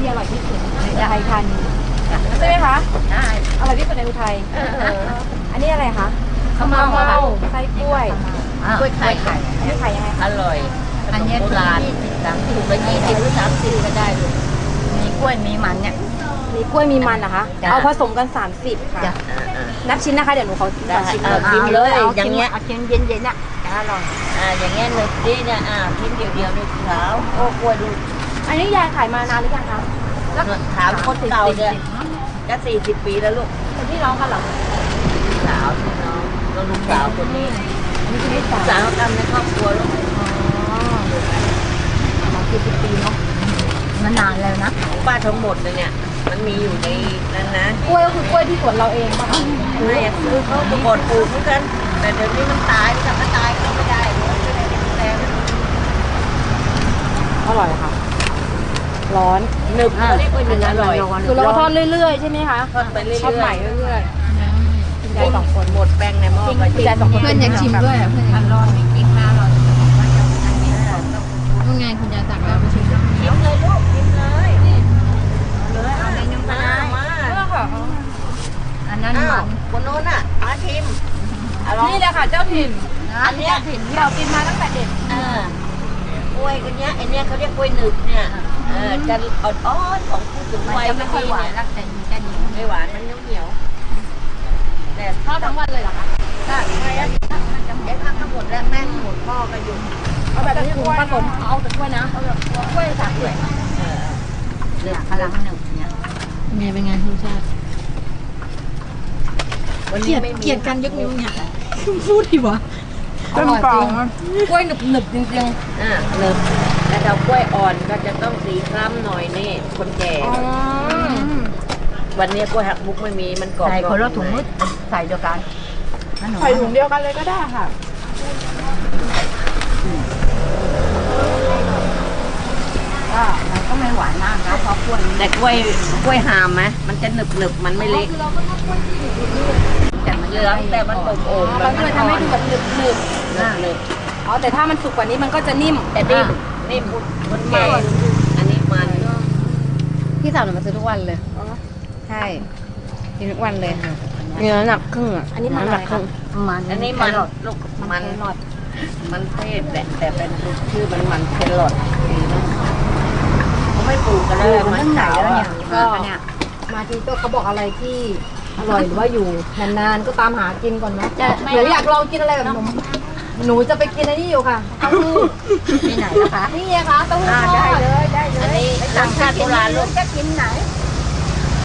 ที่อร่อยที่สุดในอุทัยธานีใช่ไหมคะใช่อร่อยที่สุดในอุทัยอันนี้อะไรคะข้าวเม่าไส้กล้วยกล้วยไข่อันนี้ไข่ยังไงอร่อยอันนี้โบราณถูกละ20หรือ30ก็ได้ลูกมีกล้วยมีมันเนี่ยมีกล้วยมีมันนะคะเอาผสมกัน30ค่ะนับชิ้นนะคะเดี๋ยวหนูเขาชิมชิมเลยอย่างเงี้ยเอาชิ้นเย็นๆน่ะอร่อยอย่างเงี้ยหนึบดีเนี่ยชิ้นเดียวๆนี่ขาวโอ้กล้วยดูอันนี้ยายขายมานานหรือยังคะถามคนเก่าเนี่ยจะ40 ปีแล้วลูกเป็นพี่น้องกันเหรอสาวพี่น้องก็ลูกสาวคนนี้สาวทำในครอบครัวลูก 40 ปีเนาะนานแล้วนะป้าทั้งหมดเลยเนี่ยมันมีอยู่ในนั้นนะกล้วยก็คือกล้วยที่สวนเราเองป่ะไม่คือเขาตะกดปลูกเหมือนกันแต่เดี๋ยวนี้มันตายถ้ามันตายก็ไม่ได้ไม่ได้แรงอร่อยค่ะร้อนหนึบเขาเรียกว่าหนึบอร่อยคือเราก็ทอดเรื่อยๆใช่ไหมคะทอดไปเรื่อยๆทอดใหม่เรื่อยๆคุณยาย2 คนหมดแป้งในหม้อคุณยาย2 คนเพื่อนอยากชิมด้วยเพื่อนอยากร้อนไม่กินมาหรอกนู่นไงคุณยายตักแล้วไปชิมชิมเลยลูกชิมเลยเลยเอาในน้ำมันมาอันนั้นมันคนโน้นอ่ะมาชิมนี่แหละค่ะเจ้าถิ่นอันเนี้ยถิ่นที่เรากินมาตั้งแต่เด็กกล้วยกันเนี้ยไอเนี้ยเขาเรียกกล้วยหนึบเนี่ยจะอ่อนๆของผู้สูงวัยไม่ค่อยหวานแล้วแต่จะเหนียวไม่หวานมันเหนียวแต่ทอดทั้งวันเลยเหรอคะได้ใช่แล้วไอ้ข้าวทั้งหมดแล้วแม่หมดพ่อก็อยู่เอาแบบนี้ผสมเอาแต่กล้วยนะเอาแบบกล้วย3 ถ้วยเนี่ยพลังหนึ่งเนี่ยเป็นไงรสชาติเกลียดกันยกนิ้วเนี่ยพูดดีวะอร่อยจริงกล้วยหนึบจริงๆหนึบแต่เรากล้วยอ่อนก็จะต้องสีคล้ำหน่อยนี่คนแก่วันนี้กล้วยหักมุกไม่มีมันกรอบใส่คนละถุงมืดใส่เดียวกันใส่ถุงเดียวกันเลยก็ได้ค่ะมันก็ไม่หวานมากนะเพราะกล้วยแต่กล้วยหามไหมมันจะหนึบมันไม่เละแต่มันเหลืองแต่มันโอ่งมันก็เลยทำให้ดูแบบหนึบอ๋อแต่ถ้ามันสุกกว่านี้มันก็จะนิ่มแต่นิ่มคนแก่อันนี้มันพี่สาวหนูมาซื้อทุกวันเลยใช่กินทุกวันเลยค่ะเนื้อหนักครึ่งอันนี้มันหนักครึ่งอันนี้มันลูกมันเทศแหละแต่เป็นชื่อมันแครอทเขาไม่ปลูกกันแล้วมันขาวเนี่ยก็มาทีก็เขาบอกอะไรที่อร่อยหรือว่าอยู่นานๆก็ตามหากินก่อนนะหนูอยากลองกินอะไรแบบหนูจะไปกินอันนี้อยู่ค่ะเต้าหู้ที่ไหนนะคะนี่ไงคะเต้าหู้ทอดได้เลยอันนี้รสชาติโบราณลูกจะกินไหน